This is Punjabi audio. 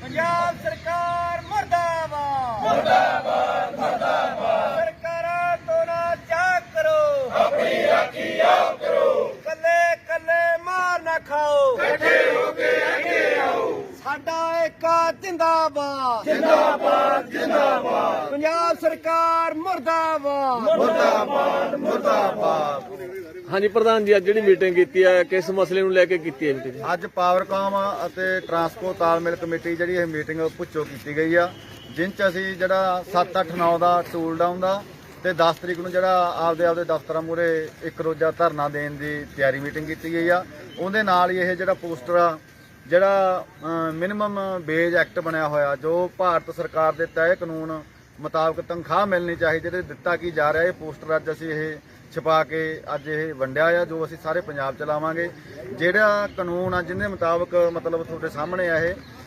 ਪੰਜਾਬ ਸਰਕਾਰ ਮੁਰਦਾਬਾਦ ਮੁਰਦਾਬਾਦ ਮੁਰਦਾਬਾਦ। ਸਰਕਾਰਾਂ ਤੋਂ ਨਾ ਚਾਕ ਕਰੋ, ਆਪਣੀ ਰਾਖੀ ਆਪ ਕਰੋ। ਕੱਲੇ ਕੱਲੇ ਮਾਰ ਨਾ ਖਾਓ, ਇਕੱਠੇ ਹੋ ਕੇ ਅੱਗੇ ਆਓ। ਸਾਡਾ ਏਕਾ ਜਿੰਦਾਬਾਦ ਜਿੰਦਾਬਾਦ ਜਿੰਦਾਬਾਦ। ਪੰਜਾਬ ਸਰਕਾਰ ਮੁਰਦਾਬਾਦ ਮੁਰਦਾਬਾਦ ਮੁਰਦਾਬਾਦ। ਹਾਂਜੀ ਪ੍ਰਧਾਨ ਜੀ, ਅੱਜ ਜਿਹੜੀ ਮੀਟਿੰਗ ਕੀਤੀ ਹੈ ਕਿਸ ਮਸਲੇ ਨੂੰ ਲੈ ਕੇ ਕੀਤੀ ਹੈ ਮੀਟਿੰਗ? ਅੱਜ ਪਾਵਰਕਾਮ ਅਤੇ ਟਰਾਂਸਪੋ ਤਾਲਮੇਲ ਕਮੇਟੀ ਜਿਹੜੀ ਇਹ ਮੀਟਿੰਗ ਭੁੱਚੋ ਕੀਤੀ ਗਈ ਆ, ਜਿਨ ਚ ਅਸੀਂ ਜਿਹੜਾ 7, 8, 9 ਦਾ ਟੂਲ ਡਾਊਨ ਦਾ ਤੇ 10 ਤਰੀਕ ਨੂੰ ਜਿਹੜਾ ਆਪਦੇ ਦਫ਼ਤਰਾਂ ਮੂਹਰੇ ਇੱਕ ਰੋਜ਼ਾ ਧਰਨਾ ਦੇਣ ਦੀ ਤਿਆਰੀ ਮੀਟਿੰਗ ਕੀਤੀ ਗਈ ਆ। ਉਹਦੇ ਨਾਲ ਹੀ ਇਹ ਜਿਹੜਾ ਪੋਸਟਰ ਆ, ਜਿਹੜਾ ਮਿਨੀਮਮ ਵੇਜ ਐਕਟ ਬਣਿਆ ਹੋਇਆ, ਜੋ ਭਾਰਤ ਸਰਕਾਰ ਦੇ ਤੈਅ ਕਾਨੂੰਨ ਮੁਤਾਬਕ ਤਨਖਾਹ ਮਿਲਣੀ ਚਾਹੀਦੀ, ਤੇ ਦਿੱਤਾ ਕੀ ਜਾ ਰਿਹਾ, ਇਹ ਪੋਸਟਰ ਅੱਜ ਅਸੀਂ ਇਹ ਛਪਾ ਕੇ ਅੱਜ ਇਹ ਵੰਡਿਆ ਆ, ਜੋ ਅਸੀਂ ਸਾਰੇ ਪੰਜਾਬ ਚ ਲਾਵਾਂਗੇ। ਜਿਹੜਾ ਕਾਨੂੰਨ ਆ ਜਿਹਦੇ ਮੁਤਾਬਕ ਮਤਲਬ ਤੁਹਾਡੇ ਸਾਹਮਣੇ ਆ ਇਹ